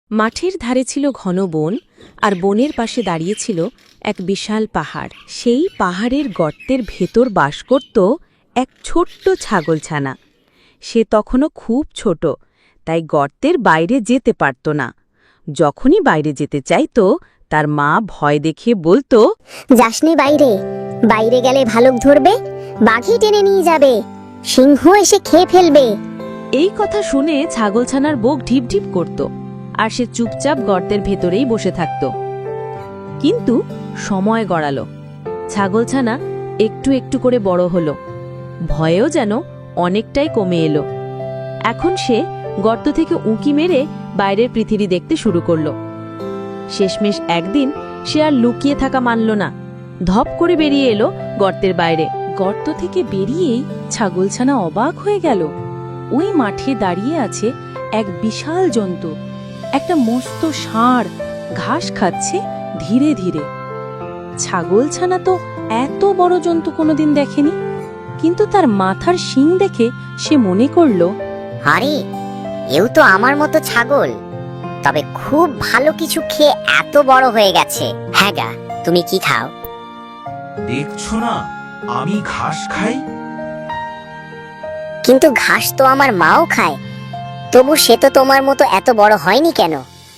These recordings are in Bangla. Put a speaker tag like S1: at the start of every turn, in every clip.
S1: মাঠের ধারে ছিল ঘন বন, আর বনের পাশে দাঁড়িয়েছিল এক বিশাল পাহাড়। সেই পাহাড়ের গর্তের ভেতর বাস করত এক ছোট্ট ছাগলছানা। সে তখনও খুব ছোট, তাই গর্তের বাইরে যেতে পারত না। যখনই বাইরে যেতে চাইত, তার মা ভয় দেখিয়ে বলতো,
S2: যাসনি বাইরে, বাইরে গেলে ভালুক ধরবে, বাঘই টেনে নিয়ে যাবে, সিংহ এসে খেয়ে ফেলবে।
S1: এই কথা শুনে ছাগলছানার বুক ঢিপ ঢিপ করত, আর সে চুপচাপ গর্তের ভেতরেই বসে থাকত। কিন্তু সময় গড়াল, ছাগলছানা একটু একটু করে বড় হল, ভয়েও যেন অনেকটাই কমে এলো। এখন সে গর্ত থেকে উঁকি মেরে বাইরের পৃথিবী দেখতে শুরু করল। শেষমেশ একদিন সে আর লুকিয়ে থাকা মানল না, ধপ করে বেরিয়ে এলো গর্তের বাইরে। গর্ত থেকে বেরিয়েই ছাগলছানা অবাক হয়ে গেল। ওই মাঠে দাঁড়িয়ে আছে এক বিশাল জন্তু, একটা মস্ত ষাঁড় ঘাস খাচ্ছে ধীরে ধীরে। ছাগলছানা তো এত বড় জন্তু কোনোদিন দেখেনি, কিন্তু তার মাথার শিং দেখে সে মনে করল,
S2: আরে, এও তো আমার মতো ছাগল, তবে খুব ভালো কিছু খেয়ে এত বড় হয়ে গেছে। হ্যাঁ গা, তুমি কি খাও?
S3: দেখছো না আমি ঘাস খাই?
S2: কিন্তু ঘাস তো আমার মাও খায়, তবু সে তো তোমার মতো এত বড় হয়নি কেন?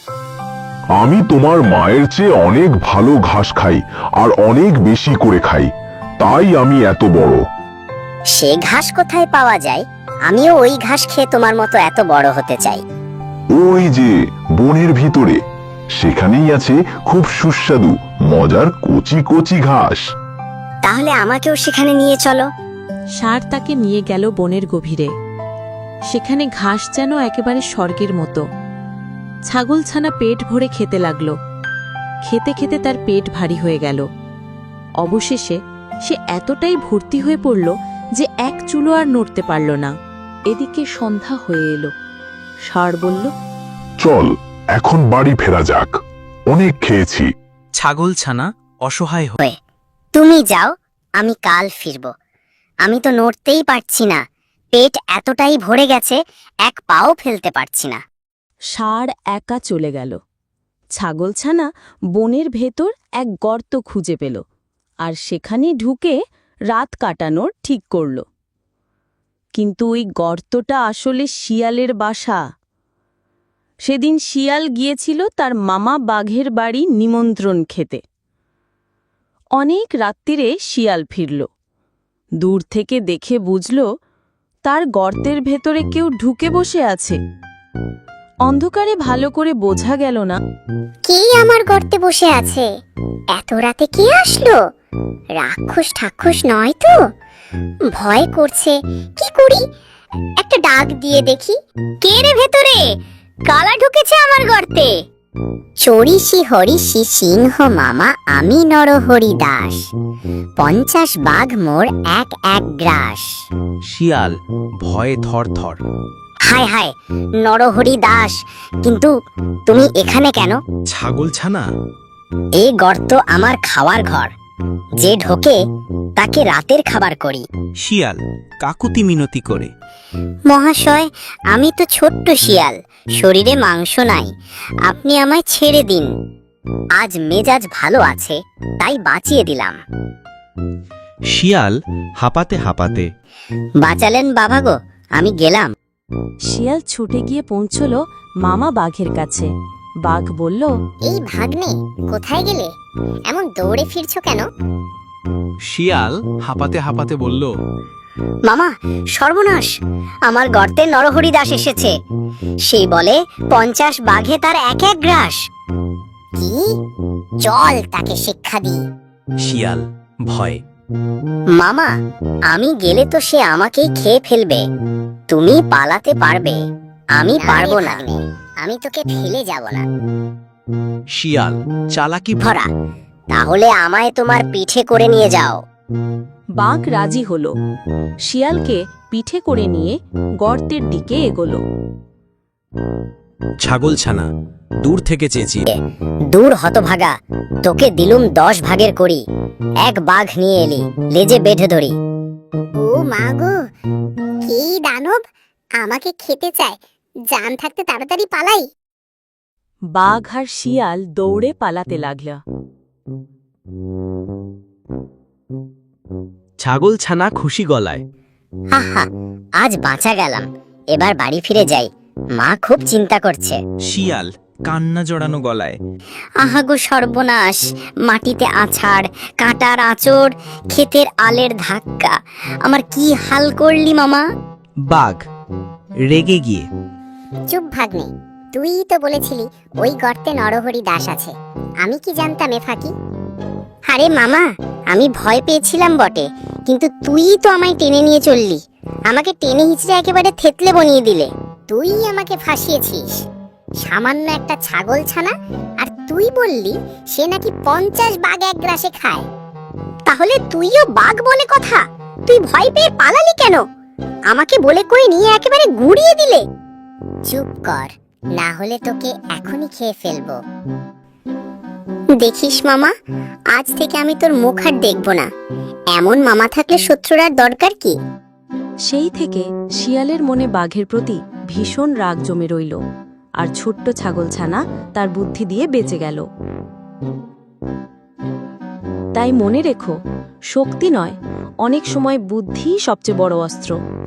S4: আমি তোমার মায়ের চেয়ে অনেক ভালো ঘাস খাই, আর অনেক বেশি করে খাই, তাই আমি এত বড়।
S2: সে ঘাস কোথায় পাওয়া যায়? আমিও ওই ঘাস খেয়ে তোমার মতো এত বড় হতে চাই।
S4: ওই যে বনের ভিতরে, সেখানেই আছে খুব সুস্বাদু মজার কচি কচি ঘাস।
S2: তাহলে আমাকেও সেখানে নিয়ে চলো।
S1: ষাঁড় তাকে নিয়ে গেল বনের গভীরে। সেখানে ঘাস যেন একেবারে স্বর্গের মতো। ছাগলছানা পেট ভরে খেতে লাগল। খেতে খেতে তার পেট ভারী হয়ে গেল। অবশেষে সে এতটাই ভর্তি হয়ে পড়ল যে এক চুলো আর নড়তে পারল না। এদিকে সন্ধ্যা হয়ে এলো। ষাঁড় বলল,
S4: চল এখন বাড়ি ফেরা যাক, অনেক খেয়েছি।
S3: ছাগলছানা অসহায়
S2: হয়ে তুমি যাও, আমি কাল ফিরব। আমি তো নড়তেই পারছি না, পেট এতটাই ভরে গেছে, এক পাও ফেলতে পারছি না।
S1: ষাঁড় একা চলে গেল। ছাগলছানা বনের ভেতর এক গর্ত খুঁজে পেল, আর সেখানে ঢুকে রাত কাটানোর ঠিক করল। কিন্তু ওই গর্তটা আসলে শিয়ালের বাসা। সেদিন শিয়াল গিয়েছিল তার মামা বাঘের বাড়ি নিমন্ত্রণ খেতে। অনেক রাত্রিরে শিয়াল ফিরল। দূর থেকে দেখে বুঝল তার গর্তের ভেতরে কেউ ঢুকে বসে আছে। অন্ধকারে ভালো করে বোঝা গেল না
S2: কে আমার গর্তে বসে আছে। এত রাতে কে আসলো? রাক্ষস ঠাক্ষস নয় তো? ভয় করছে, কি করি? একটা ডাক দিয়ে দেখি। কে রে ভেতরে? কালা ঢুকেছে আমার গর্তে। চড়িষি হরিষি সিংহ মামা, আমি নরহরি দাস, 50 বাঘ মোর এক এক গ্রাস।
S3: শিয়াল ভয়ে থরথর।
S2: হায় হায়, নরহরি দাস, কিন্তু তুমি এখানে কেন?
S3: ছাগলছানা,
S2: এই গর্ত আমার খাওয়ার ঘর, যে ঢোকে তাকে রাতের খাবার করি।
S3: শিয়াল কাকুতি মিনতি করে।
S2: মহাশয়, আমি তো ছোট্ট শিয়াল, শরীরে মাংস নাই, আপনি আমায় ছেড়ে দিন। আজ মেজাজ ভালো আছে, তাই বাঁচিয়ে দিলাম।
S3: শিয়াল হাঁপাতে হাঁপাতে।
S2: বাঁচালেন বাবা গো, আমি গেলাম।
S1: শিয়াল ছুটে গিয়ে পৌঁছল মামা বাঘের কাছে। বাঘ বলল,
S2: এই ভাগ্নে, কোথায় গেলে? এমন দৌড়ে ফিরছো কেন?
S3: শিয়াল হাঁপাতে হাঁপাতে বলল,
S2: মামা, সর্বনাশ, আমার গর্তে নরহরি দাস এসেছে। সেই বলে 50 বাঘে তার এক এক গ্রাস। কি? চল তাকে শিক্ষা দিই।
S3: শিয়াল ভয়।
S2: মামা, আমি গেলে তো সে আমাকেই খেয়ে ফেলবে। তুমি পালাতে পারবে, আমি পারবো না। আমি তোকে ফেলে যাব না।
S3: শিয়াল চালাকি
S2: ভরা, তাহলে আমায় তোমার পিঠে করে নিয়ে যাও।
S1: বাঘ রাজি হল। শিয়ালকে পিঠে করে নিয়ে গর্তের দিকে এগোল।
S3: ছাগলছানা দূর থেকে চেঁচিয়ে,
S2: দূর হতভাগা, তোকে দিলুম 10 ভাগের করি। এক বাঘ নিয়ে এলি, লেজে বেঁধে ধরি। ও মা গো, কি দানব আমাকে খেতে চায়! জান থাকতে তাড়াতাড়ি পালাই।
S1: বাঘ আর শিয়াল দৌড়ে পালাতে লাগল।
S3: ছাগলছানা খুশি গলায়,
S2: আহা, আজ বাঁচা গেলাম। এবার বাড়ি ফিরে যাই, মা খুব চিন্তা করছে।
S3: শিয়াল কান্না জড়ানো গলায়,
S2: আহা গো সর্বনাশ, মাটিতে আছাড়, কাঁটার আঁচড়, ক্ষেতের আলের ধাক্কা, আমার কি হাল করলি মামা।
S3: বাঘ রেগে গিয়ে,
S2: চুপ ভাগ্নে, তুই তো বলেছিলি ওই গর্তে নরহরি দাস আছে, আমি কি জানতাম এ ফাঁকি। আরে মামা, আমি ভয় পেয়েছিলাম বটে, কিন্তু তুই তো আমায় টেনে নিয়ে চললি, আমাকে টেনে হিচড়ে একেবারে থেতলে বনিয়ে দিলে। তুই আমাকে ফাঁসিয়েছিস, সামান্য একটা ছাগল ছানা, আর তুই বললি সে নাকি 50 বাঘ এক গ্রাসে খায়। তাহলে তুইও বাঘ বলে কথা, তুই ভয় পেয়ে পালালি কেন? আমাকে বলে কই নিয়ে একেবারে গুড়িয়ে দিলে। চুপ কর, না হলে তোকে এখনই খেয়ে ফেলবো। দেখিস মামা, আজ থেকে আমি তোর মুখ আর দেখব না। এমন মামা থাকলে শত্রুর আর দরকার কি।
S1: সেই থেকে শিয়ালের মনে বাঘের প্রতি ভীষণ রাগ জমে রইল, আর ছোট্ট ছাগলছানা তার বুদ্ধি দিয়ে বেঁচে গেল। তাই মনে রেখো, শক্তি নয়, অনেক সময় বুদ্ধিই সবচেয়ে বড় অস্ত্র।